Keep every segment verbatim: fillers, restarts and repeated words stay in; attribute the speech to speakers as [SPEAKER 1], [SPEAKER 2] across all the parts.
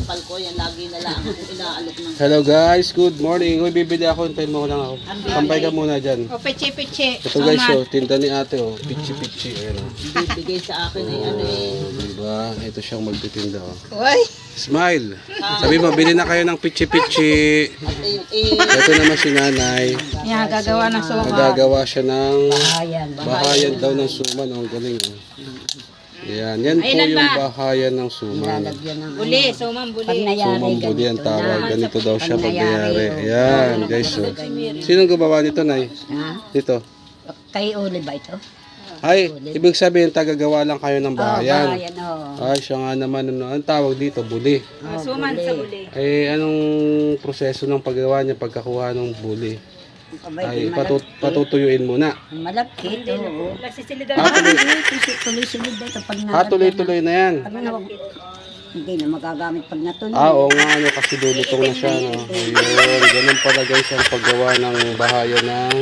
[SPEAKER 1] sampal ko, yan lagi na lang ako inaalok ng...
[SPEAKER 2] Hello guys, good morning. Uy, bibili ako, hintayin mo ko lang ako. Sampay ka muna dyan.
[SPEAKER 3] O, pichi-pichi.
[SPEAKER 2] Ito guys, oh, tinda ni ate, oh. Pichi-pichi. Ayan, oh.
[SPEAKER 1] Bibigay sa akin ay ano eh.
[SPEAKER 2] Oh, diba? Ito siyang magtitinda, oh.
[SPEAKER 3] Uy.
[SPEAKER 2] Smile. Sabi mo, bili na kayo ng pichi-pichi. Ito naman si nanay.
[SPEAKER 3] Yan, gagawa ng suka.
[SPEAKER 2] Magagawa siya ng
[SPEAKER 1] Bahayan.
[SPEAKER 2] bahayan daw ng suman. Oh, ang galing, oh. Yan, yan po
[SPEAKER 3] Ayun
[SPEAKER 2] yung
[SPEAKER 3] ba?
[SPEAKER 2] bahayan ng suman.
[SPEAKER 1] Lalagyan ng
[SPEAKER 3] Buli, sumang buli.
[SPEAKER 2] Sumang buli ang tawag. Ganito daw siya pag nangyari. Ayan, guys. Oh. Sinong gumawa nito, nay?
[SPEAKER 1] Ha?
[SPEAKER 2] Dito.
[SPEAKER 1] Kay Uli ba ito?
[SPEAKER 2] Ay, ibig sabihin, tagagawa lang kayo ng bahayan.
[SPEAKER 1] Bahayan, oo.
[SPEAKER 2] Ay, siya nga naman, ano, ang tawag dito, buli.
[SPEAKER 3] Ah, suman sa buli.
[SPEAKER 2] Eh, anong proseso ng paggawa niya pagkakuha ng buli? Ay, patut patutuyuin muna.
[SPEAKER 1] Malapit, oo.
[SPEAKER 3] Nagsisilidan
[SPEAKER 2] Ah, tuloy,
[SPEAKER 1] Tuloy-sunod na ito pag
[SPEAKER 2] ah, tuloy-tuloy na yan.
[SPEAKER 1] Pag na, hindi na magagamit pag natuloy.
[SPEAKER 2] Ah, oo nga, ano, kasi dulutong na siya, no? Ayun, ganun pala guys ang paggawa ng bahayan ng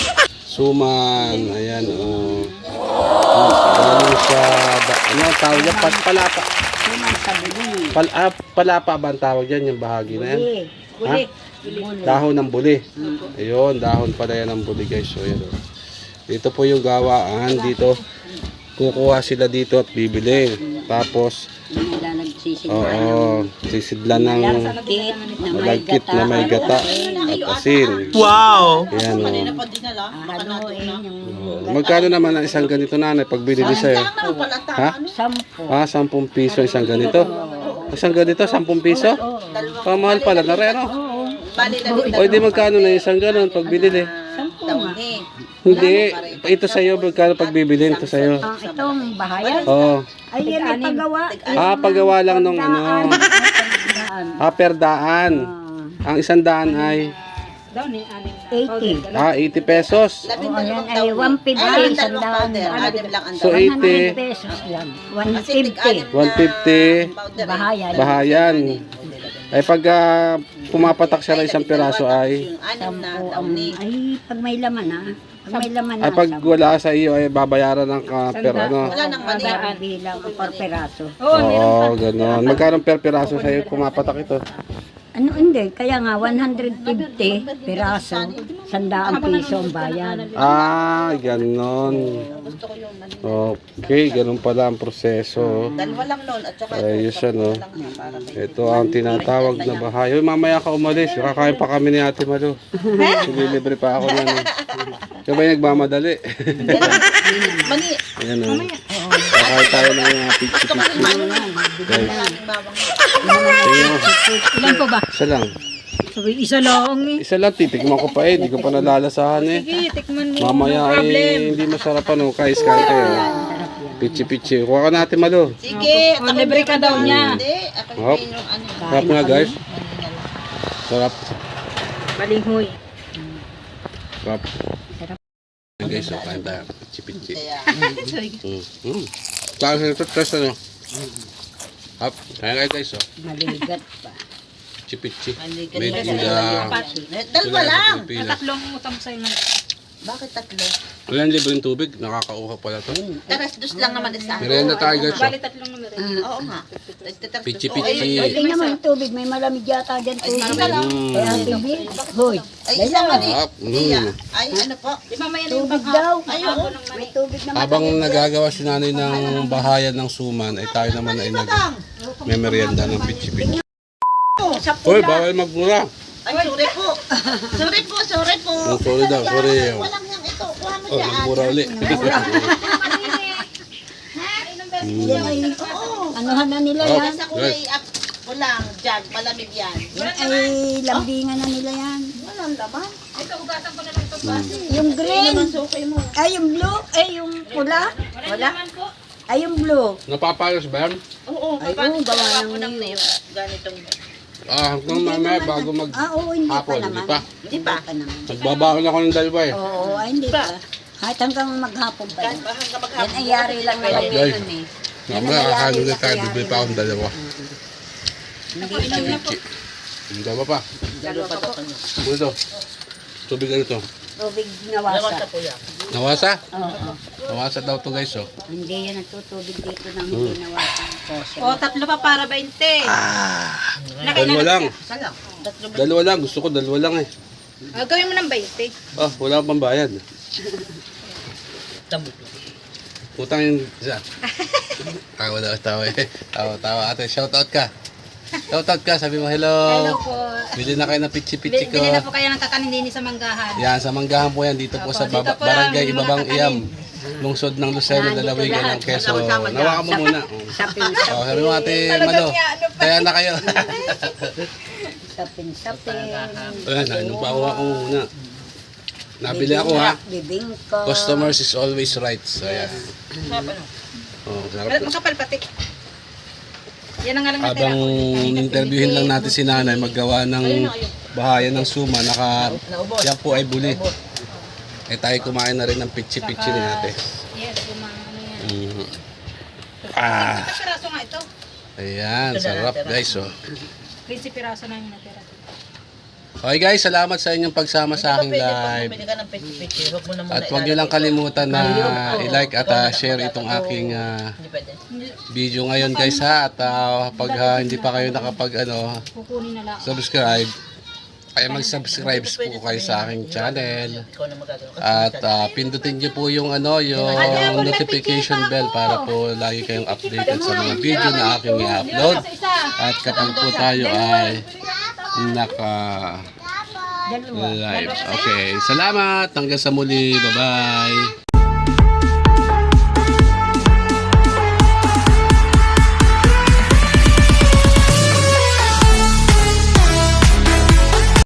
[SPEAKER 2] suman. Ayan, oh. Ganun siya, ba- ano, tawag niya, Pal- palapa.
[SPEAKER 1] Suman sa buli.
[SPEAKER 2] Pal ah, palapa ba ang tawag yan, yung bahagi na yan?
[SPEAKER 1] Buli.
[SPEAKER 3] Buli.
[SPEAKER 1] Buli.
[SPEAKER 2] Dahon ng buli. Ayun, dahon pala yan ng buli guys. So, yun, oh. Dito po yung gawaan. Dito, kukuha sila dito at bibili. Tapos,
[SPEAKER 1] Nila nagsisimula
[SPEAKER 2] oo, sisidlan ng
[SPEAKER 1] kit na may
[SPEAKER 2] malagkit
[SPEAKER 1] gata.
[SPEAKER 2] na may gata at asin.
[SPEAKER 4] Wow!
[SPEAKER 2] Ayan, oh.
[SPEAKER 1] Haluin yung
[SPEAKER 2] Oh, magkano naman ang isang ganito nanay pag binili sa'yo? Ha?
[SPEAKER 1] sampo.
[SPEAKER 2] Ah, sampung piso isang ganito. Isang ganito, sampung piso? Pamahal pala na rin, no? O, di magkano na isang ganon pag binili?
[SPEAKER 1] Sampo nga.
[SPEAKER 2] Hindi, ito sa'yo, magkano pag bibili ito sa'yo?
[SPEAKER 1] Ang itong bahayan.
[SPEAKER 2] Oo.
[SPEAKER 1] Ay, yan ay paggawa.
[SPEAKER 2] Ah, paggawa lang nung ano,
[SPEAKER 1] Daan.
[SPEAKER 2] ah, per daan. Ang isang daan ay,
[SPEAKER 3] Daw ni anim na.
[SPEAKER 1] eighty.
[SPEAKER 2] ah, eighty pesos.
[SPEAKER 1] O, yan ay one fifty. Sandaan.
[SPEAKER 2] So,
[SPEAKER 1] one hundred
[SPEAKER 2] eighty,
[SPEAKER 1] pesos lang. one fifty.
[SPEAKER 2] one fifty,
[SPEAKER 1] Bahayan.
[SPEAKER 2] bahayan. Ay pag ah, pumapatak siya ng isang piraso ay,
[SPEAKER 1] Sampo ang, ay, pag may laman ha. Pag may laman na.
[SPEAKER 2] ay pag wala sa iyo ay babayaran ng uh, per ano.
[SPEAKER 1] Sandaan bilang o per peraso.
[SPEAKER 2] Oo, ganon. Magkano per piraso sa iyo pumapatak ito?
[SPEAKER 1] Ano hindi, kaya nga one hundred fifty piraso, sandaan piso ang bayan.
[SPEAKER 2] Ah, ganon. Okay, ganon pala ang proseso.
[SPEAKER 5] Dalawa lang noon at saka
[SPEAKER 2] Ayos siya, no? Ito ang tinatawag na bahay. Uy, mamaya ka umalis. Kakain pa kami ni Ate Malu. Sililibre pa ako na. Kaya ba yung nagmamadali?
[SPEAKER 5] mani.
[SPEAKER 2] Ayan, o. Kakain tayo ng mga pichi-pichi. Guys. Tingnan mo.
[SPEAKER 3] Ilan po ba?
[SPEAKER 2] Isa lang.
[SPEAKER 3] Sabi, isa lang eh.
[SPEAKER 2] Isa lang, titikman ko pa eh. Hindi ko pa nalalasahan eh.
[SPEAKER 3] Sige, tikman mo.
[SPEAKER 2] Mamaya
[SPEAKER 3] No problem.
[SPEAKER 2] eh, hindi masarap ano. Kais, kain kayo. Pichi-pichi. Kuha ka natin, Malu.
[SPEAKER 5] Sige,
[SPEAKER 3] O, libre ka daw niya.
[SPEAKER 5] Hindi, ako
[SPEAKER 2] Hop.
[SPEAKER 5] yung ano.
[SPEAKER 2] Sarap nga, guys. Sarap.
[SPEAKER 3] Balinghoy.
[SPEAKER 2] Sarap. Ayan, guys, so kain tayo. Pichi-pichi. Mm. Mm. Tapos ito, test ano. Hop. Kain kayo, guys, oh.
[SPEAKER 1] Maligat pa.
[SPEAKER 2] Pichi-pichi.
[SPEAKER 5] Maligat
[SPEAKER 2] Made
[SPEAKER 5] pa
[SPEAKER 2] in
[SPEAKER 5] siya.
[SPEAKER 2] the...
[SPEAKER 5] Dalawa lang.
[SPEAKER 2] Pilipinas.
[SPEAKER 3] Tatlong utang sa'yo ng...
[SPEAKER 5] Bakit tatlo?
[SPEAKER 2] Walang libreng tubig. Nakakauha pala to.
[SPEAKER 5] Taras dos lang naman isa.
[SPEAKER 2] Merienda tayo, guys, oh.
[SPEAKER 3] Bali, tatlong numero.
[SPEAKER 5] Oo nga. Nagtataras dos.
[SPEAKER 2] Pichi-pichi.
[SPEAKER 1] Ay, tingnan mo yung tubig, may malamig yata dyan tubig.
[SPEAKER 2] Mm.
[SPEAKER 1] Kaya ang tubig, hoy,
[SPEAKER 5] Ay, isa mani.
[SPEAKER 2] Sarap.
[SPEAKER 5] Iya.
[SPEAKER 2] Mm.
[SPEAKER 5] Ay, ano po?
[SPEAKER 3] Di mamaya na yung
[SPEAKER 1] tubig daw.
[SPEAKER 5] Ayun.
[SPEAKER 1] May tubig naman.
[SPEAKER 2] Habang nagagawa si nanay ng bahayan ng suman, ay tayo naman ay nag may merienda ng pichi-pichi. Hoy, bawal magmura.
[SPEAKER 5] Ay, sorry po. Sorry po, sorry po.
[SPEAKER 2] Oh, sorry daw, sorry.
[SPEAKER 5] Walang yang ito. Kuha mo
[SPEAKER 2] Oh,
[SPEAKER 5] dyan.
[SPEAKER 2] magmura ulit.
[SPEAKER 1] Yan ay, anuhan na nila
[SPEAKER 2] Oh.
[SPEAKER 1] yan.
[SPEAKER 5] Sa kulay up. Kulang. Dyan. Malamig yan.
[SPEAKER 1] Yan ay lambingan na nila yan.
[SPEAKER 5] Walang laman.
[SPEAKER 3] Ito, hugasan ko na lang ito.
[SPEAKER 1] Yung
[SPEAKER 5] Ay,
[SPEAKER 1] green,
[SPEAKER 5] naman sukay mo.
[SPEAKER 1] ay yung blue, ay yung pula. Wala. Ay yung blue.
[SPEAKER 2] Napapayos ba yan?
[SPEAKER 5] Oo,
[SPEAKER 1] Ay,
[SPEAKER 5] kapanin
[SPEAKER 1] oo, gawa
[SPEAKER 5] gawa
[SPEAKER 1] ng
[SPEAKER 5] ko ng
[SPEAKER 1] niyo.
[SPEAKER 5] ganitong.
[SPEAKER 2] Ah, hanggang mamaya bago mag
[SPEAKER 1] Ah, oo, hindi pa
[SPEAKER 2] hapon,
[SPEAKER 1] naman.
[SPEAKER 2] hindi pa.
[SPEAKER 5] Hindi pa.
[SPEAKER 1] pa naman.
[SPEAKER 2] Nagbabaon ako ng dalawa eh.
[SPEAKER 1] Oo, ay hindi pa. Kahit hanggang maghapon pa
[SPEAKER 5] Kahit
[SPEAKER 1] yan.
[SPEAKER 5] ba hanggang
[SPEAKER 1] Yan
[SPEAKER 5] maghapon.
[SPEAKER 1] ay yari lang naman
[SPEAKER 2] Guys,
[SPEAKER 1] yun eh.
[SPEAKER 2] mamaya kakain ulit tayo, bibili pa akong dalawa.
[SPEAKER 1] Hindi pa yun.
[SPEAKER 2] Pichi. Yung dalawa pa.
[SPEAKER 5] Dalawa pa to.
[SPEAKER 2] Ano ito? Tubig ano ito?
[SPEAKER 1] Tubig
[SPEAKER 5] Dalawa
[SPEAKER 1] nawasa.
[SPEAKER 5] sa kuya.
[SPEAKER 2] Nawasa?
[SPEAKER 1] Oo.
[SPEAKER 2] Nawasa daw to guys, oh.
[SPEAKER 1] Hindi yan natutubig dito ng hindi nawasan.
[SPEAKER 5] O, tatlo pa para bainte.
[SPEAKER 2] Ah, dalawa lang. Dalawa lang. Gusto ko dalawa lang eh.
[SPEAKER 3] Ah, gawin mo ng baite.
[SPEAKER 2] Ah, wala pang bayad. Utang yung isa. Tawa daw, tawa eh. Tawa, tawa. Ate, shout out ka. Shout out ka. Sabi mo, hello.
[SPEAKER 3] Hello po.
[SPEAKER 2] Bili na kayo ng pichi-pichi ko.
[SPEAKER 3] Bili na po kayo ng kakanin din sa Manggahan.
[SPEAKER 2] Yan, sa Manggahan po yan. Dito po
[SPEAKER 3] Opo,
[SPEAKER 2] sa
[SPEAKER 3] dito
[SPEAKER 2] baba,
[SPEAKER 3] po
[SPEAKER 2] barangay
[SPEAKER 3] lang, mga
[SPEAKER 2] Ibabang
[SPEAKER 3] kakanin.
[SPEAKER 2] Iyam. Lungsod ng Lucero,
[SPEAKER 1] Nandito
[SPEAKER 2] Dalawigan
[SPEAKER 1] lahat.
[SPEAKER 2] ng Quezon. Nawakan mo muna. Oh.
[SPEAKER 1] Sapin-sapin.
[SPEAKER 2] Oh, sabi mo ate, Malo. Kaya na kayo.
[SPEAKER 1] Sapin-sapin.
[SPEAKER 2] Ayan, nainom pa ako ako muna. Nabili ako ha.
[SPEAKER 1] Bibingko.
[SPEAKER 2] Customers is always right. So, ayan. Oh, sarap.
[SPEAKER 3] Makapal pati. Yan ang nga lang natira
[SPEAKER 2] Habang
[SPEAKER 3] ko.
[SPEAKER 2] interviewin lang natin si nanay maggawa ng bahayan ng suma, naka, yan po ay buli. Eh tayo kumain na rin ng pitchi-pitchi ni ate.
[SPEAKER 3] Yes, kumang ano yan.
[SPEAKER 2] Mm. Ah,
[SPEAKER 3] Isang piraso nga ito.
[SPEAKER 2] ayan, sarap guys. Oh.
[SPEAKER 3] fifty piraso na yung natira.
[SPEAKER 2] Okay guys, salamat sa inyong pagsama sa aking live.
[SPEAKER 5] Bili ka ng pichi-pichi. Huwag mo na muna.
[SPEAKER 2] At huwag nyo lang kalimutan na i-like at ah, share itong aking ah,
[SPEAKER 5] Hindi pwede.
[SPEAKER 2] video ngayon guys ha. At ah, pag ah, hindi pa kayo nakapag ano,
[SPEAKER 3] Kukunin na lang.
[SPEAKER 2] subscribe, ay mag-subscribe po kayo sa aking channel.
[SPEAKER 5] Ikaw na magagano.
[SPEAKER 2] At ah, pindutin niyo po yung ano, yung notification bell para po lagi kayong updated sa mga video na aking i-upload. At kapag po tayo ay naka live. Okay, salamat. Hanggang sa muli. Bye-bye.